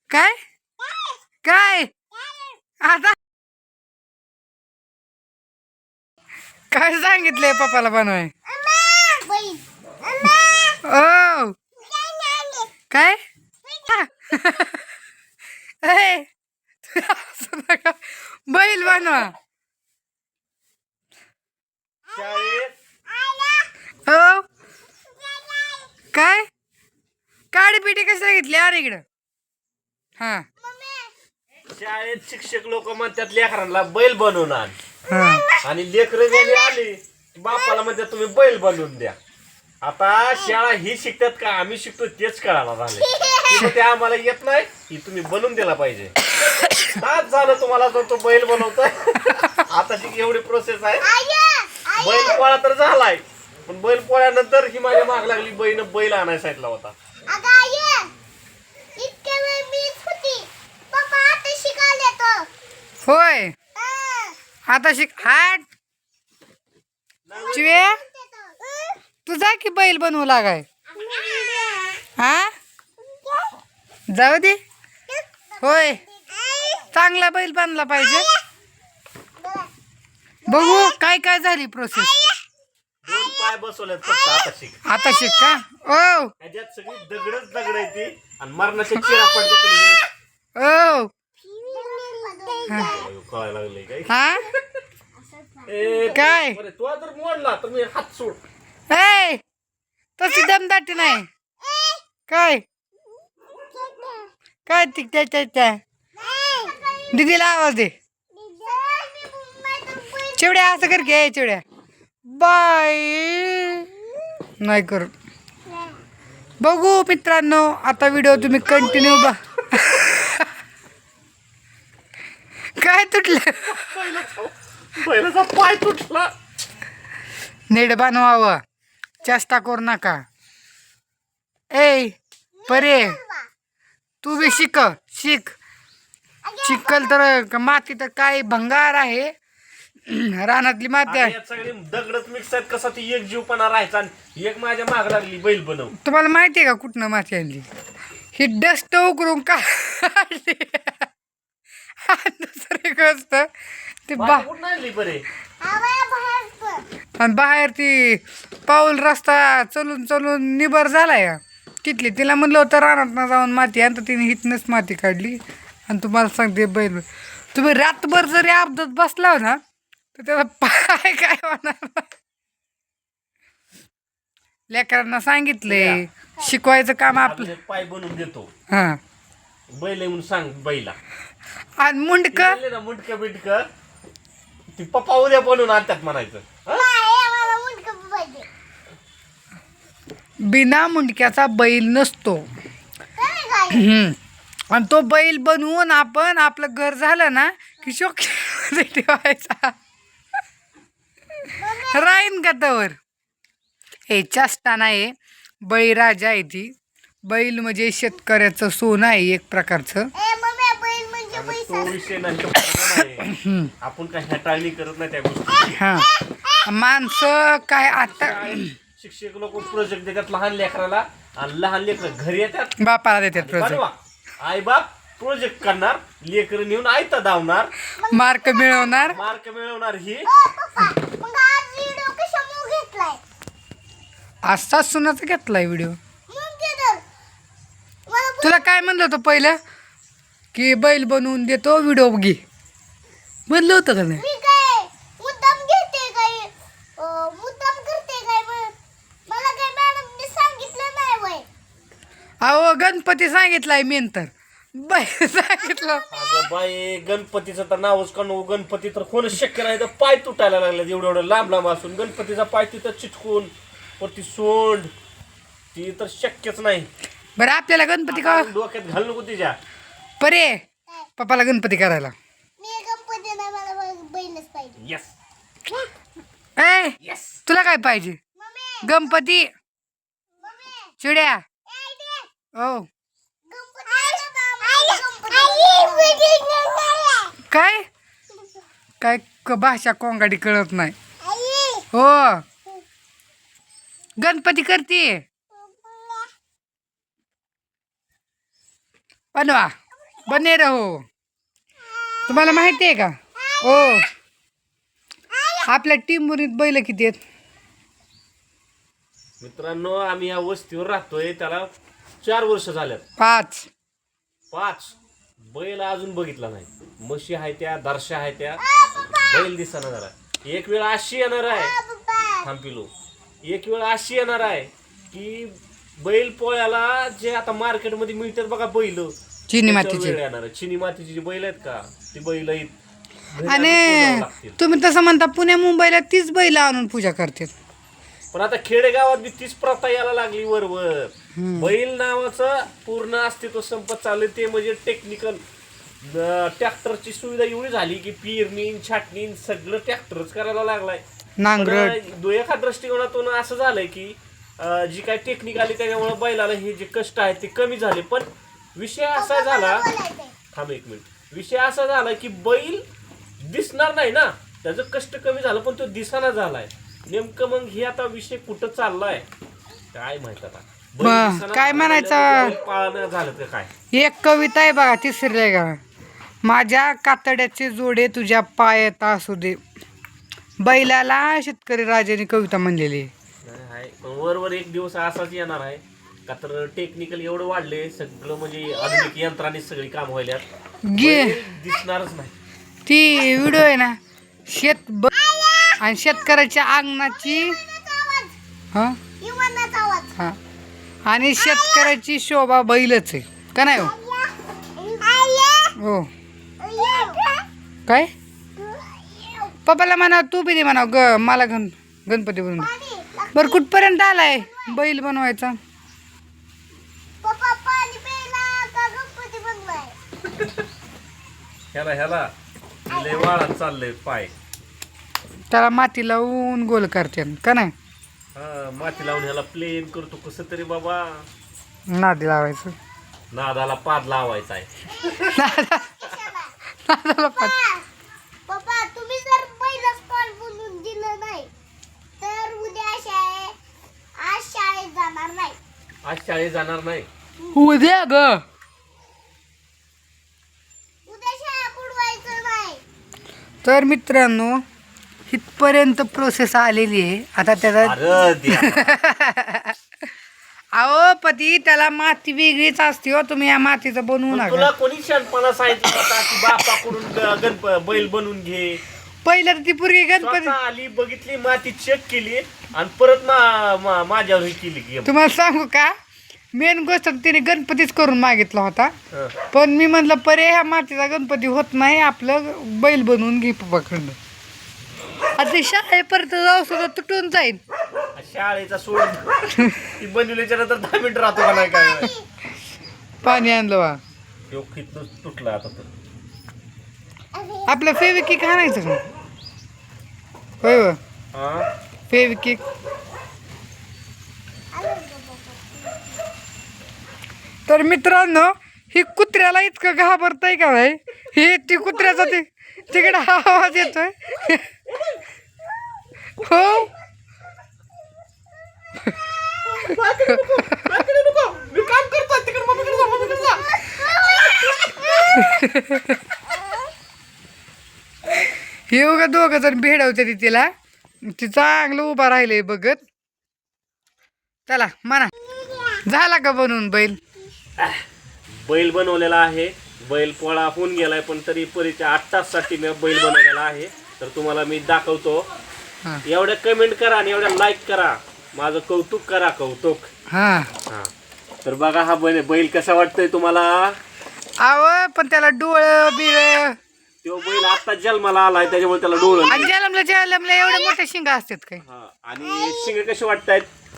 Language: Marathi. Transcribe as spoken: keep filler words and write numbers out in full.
काय काय आता काय सांगितलंय पप्पाला बनवाय? ओ काय ए, असं नका. बैल बनवा. हो काय काडी पिटी कसं घेतली? अरे इकडं. हा शाळेत शिक्षक लोक म्हणतात लेकरांना बैल बनवून आण, हा आणि लेकरं गेली आली बापाला म्हणतात तुम्ही बैल बनवून द्या. आता शाळा ही शिकतात का आम्ही शिकतो तेच कळायला झाले. ते आम्हाला येत नाही की तुम्ही बनवून दिला पाहिजे. तास झालं तुम्हाला तर तो बैल बनवतोय. आता जी एवढी प्रोसेस आहे. बैल पोळा तर झालाय, पण बैल पोळ्यानंतर ही माझ्या माग लागली बैल बैल आणाय सांगितला होता. होय आता शिक हाट चिवे तुझा की बैल बनवू लागाय. हा जाऊ दे. होय चांगला बैल बांधला पाहिजे. बघू काय काय झाली प्रोसेस. दोन पाय बसवलेत फक्त. आता शिक आता शिक का? ओ ह्याच्यात सगळी दगडच दगड आहे ती, आणि मरणाच्या चिरा पडते. ओ कळायला लागले काय? हा ए, काय? बरं, तू जर मोडला तर मी हात सोड. ए तशी दमदाटी नाही. काय काय ती त्या त्या त्या दीदीला आवाज दे. चिवड्या असं कर घे. चिवड्या बाय नाही कर. बघू मित्रांनो आता व्हिडिओ तुम्ही कंटिन्यू बा. काय तुटलं? पहिल्याचा पाय तुटला. नीट बनवावं, चेष्टा करू नका. ए परे तू बी शिक शिक शिकल तर माती तर काय भंगार आहे. रानातली माती आहे. यात सगळी दगडच मिक्स आहेत. कसा ती एक जीवपणा राहायचा, आणि एक माझ्या माग लागली बैल बनव. तुम्हाला माहिती आहे का कुठनं माती आणली? ही डस्ट उकरून काढली. दुसरी गोष्ट ती बा कुठं आणली बरे? आणि बाहेर ती पाऊल रस्ता चलून चलून निबर झालाय का तिथली. तिला म्हणलं होतं रानात जाऊन माती आणि तिने हितनंच माती काढली. आणि तुम्हाला सांगते बैल तुम्ही रातभर जरी अपघात बसला ना तर त्याचा पाय काय होणार. लेकरांना सांगितलंय शिकवायचं काम आपलं. पाय बनवून देतो हा बैल म्हणून सांग बैला. आणि मुंडक ना मुंडक बिंडक ती पप्पा उद्या बनवून आणतात म्हणायचं. बिना मुंडक्याचा बैल नसतो. हम्म. आणि तो बैल बनवून आपण आपलं घर झालं ना की शोक्यामध्ये ठेवायचा. राहीन का तवर. हे चेष्टा नाही, बळीराजा आहे ती. बैल म्हणजे शेतकऱ्याचं सोनं आहे एक प्रकारचं. तो विषय नाही. आपण काय हटाळणी करत नाही त्या गोष्टी. हा माणसं काय आता शिक्षक लोक प्रोजेक्ट देतात लहान लेकराला, आणि लहान लेकर घरी येतात बापाला देतात प्रोजेक्ट. आई बाप प्रोजेक्ट करणार, लेकर नेऊन आयता धावणार, मार्क मिळवणार. मार्क मिळवणार. ही असाच सुनाचा घेतलाय व्हिडिओ. तुला काय म्हणलं होतं पहिलं की बैल बनवून देतो व्हिडिओ घे म्हणलं होतं का नाही? अहो गणपती सांगितलाय मेन तर बैल सांगितलं. अगं बाई गणपतीचं तर नावच काढू. गणपती तर कोणच शक्य नाही. तर पाय तुटायला लागले एवढं एवढं लांब लांब असून गणपतीचा पाय तिथं चिटकून वरती सोंड ती तर शक्यच नाही. बरं आपल्याला गणपती का डोक्यात घाल नको तिच्या. परे पप्पाला गणपती करायला. येस ए येस तुला काय पाहिजे? गणपती चिड्या. ओ काय काय क- भाषा कोंगाडी कळत नाही. हो गणपती करते बनवा. बने रहो. तुम्हाला माहिती आहे का ओ आपल्या टिंबुरीत बैल किती आहेत? मित्रांनो आम्ही या वस्तीवर राहतोय त्याला चार वर्ष झाल्यात. पाच. पाच बैल अजून बघितला नाही. म्हशी आहे त्या, दर्शा आहे त्या, बैल दिसना जरा. एक वेळ अशी येणार आहे थांबिलो एक वेळ अशी येणार आहे की बैल पोळ्याला जे आता मार्केटमध्ये मिळतात बघा बैल चिनी मातीचे. येणार आहे. चिनी मातीची जी बैल आहेत का ती बैल आहेत. घरी आणून आणि पुजावं लागतील. तुम्ही तसं म्हणता पुण्या मुंबईला तीच बैल आणून पूजा करतात. पण आता खेडेगावात बी तीच प्रथा यायला लागली वरवर. बैल नावाचं पूर्ण अस्तित्व संपत चाललंय. ते म्हणजे टेक्निकल ट्रॅक्टरची सुविधा एवढी झाली की पेरणी छाटणी सगळं ट्रॅक्टरच करायला लागलाय. नांगरट. पण एका दृष्टिकोनातून असं झालंय की अं, जी काय टेक्निक आली त्याच्यामुळे बैलाला हे जे कष्ट आहेत ते कमी झाले. पण विषय असा झाला थांब एक मिनिट विषय असा झाला की बैल दिसणार नाही ना, त्याचं कष्ट कमी झालं पण तो दिसाना झालाय. नेमकं मग हे आता विषय कुठं चाललाय काय माहित आता. बैल मग दिसेना काय झाला, म्हणायचं? बैल पाळणं झालं का काय. एक कविता आहे बघा तिसरी आहे का, माझ्या कातड्याचे जोडे तुझ्या पायात असू दे, बैलाला शेतकरी राजाने कविता म्हणलेली आहे. नाही आहे. पण वरवर एक दिवस असाच येणार आहे का तर टेक्निकल एवढं वाढले सगळं म्हणजे आधुनिक यंत्राने सगळी काम व्हायल्यात. गे बैल दिसणारच नाही. ती व्हिडिओ आहे ना शेत ब आणि शेतकऱ्याच्या अंगणाची हा हा आणि शेतकऱ्याची शोभा बैलच आहे का नाही हो? हो काय पप्पाला म्हणा तू बी दे म्हणा ग मला गण गणपती बनवून दे. बरं कुठपर्यंत आलाय बैल बनवायचा? ह्याला ह्याला लय वाळात चाललंय पाय. त्याला माती लावून गोल करते का नाही? हा माती लावून ह्याला प्लेन करतो कसं तरी बाबा. नादी लावायचं. नादाला पाद लावायचा आहे. नादाला पात. पप्पा तुम्ही जर पहिलं स्पॉट बोलून दिलं नाही तर उद्या शाळेत आज शाळेत जाणार नाही. आज शाळेत जाणार नाही. उद्या ग उद्या शाळा बुडवायचं नाही. तर मित्रांनो इथपर्यंत प्रोसेस आलेली आहे. आता त्याचा अरे देवा. अहो पती त्याला माती वेगळीच असते हो, तुम्ही या मातीचं बनवू पण नका. तुला कोणी शानपणा सांगितलं होता की बापाकडून ग- गणप बैल बनवून घे. पहिलं तर ती पूर्वी गणपती स्वतः आली बघितली माती चेक केली आणि परत मा- मा- माझ्यावर हे केली की तुम्हाला सांगू का मेन गोष्ट तिने गणपतीच करून मागितला होता. हं. पण मी म्हणलं पर्याय ह्या मातीचा गणपती होत नाही, आपलं बैल बनवून घे पप्पाकडनं. आता ते शाळेपर्यंत जाऊ सुद्धा तुटून जाईल. शाळेचा सोड ती बनवल्याच्या नंतर दहा मिनिट राहतो का नाही काय. पाणी आणलं वा. तो खितून तुटला आता तर. आपलं फेविकिक आणायचं का होय व हा फेविकिक. तर मित्रांनो ही कुत्र्याला इतकं घाबरतंय का भाई, हे ती कुत्र्याचा ते तिकडे आवाज येतोय हो. मी काम करतो तिकडे मम्मीकडे जा मम्मीकडे जा. हे उगा दोघं जण भेडवते ती तिला, ती चांगलं उभा राहिले बघत. चला म्हणा झाला का बनवून बैल? बैल बनवलेला आहे. बैल पोळा होऊन गेलाय पण तरी परीच्या आठ ताससाठी मी बैल बनवलेला आहे. तर तुम्हाला मी दाखवतो. हा एवढ्या कमेंट करा आणि एवढ्या लाईक करा. माझं कौतुक करा कौतुक. हा हा तर बघा हा बैल बैल कसा वाटतोय तुम्हाला. आव पण त्याला डोळं बिळ तो बैल आता जन्माला आलाय त्याच्यामुळे त्याला डोळं आणि जलमला जलमला एवढे मोठे शिंगा असतात काय? हा आणि शिंगे कसे वाटतायत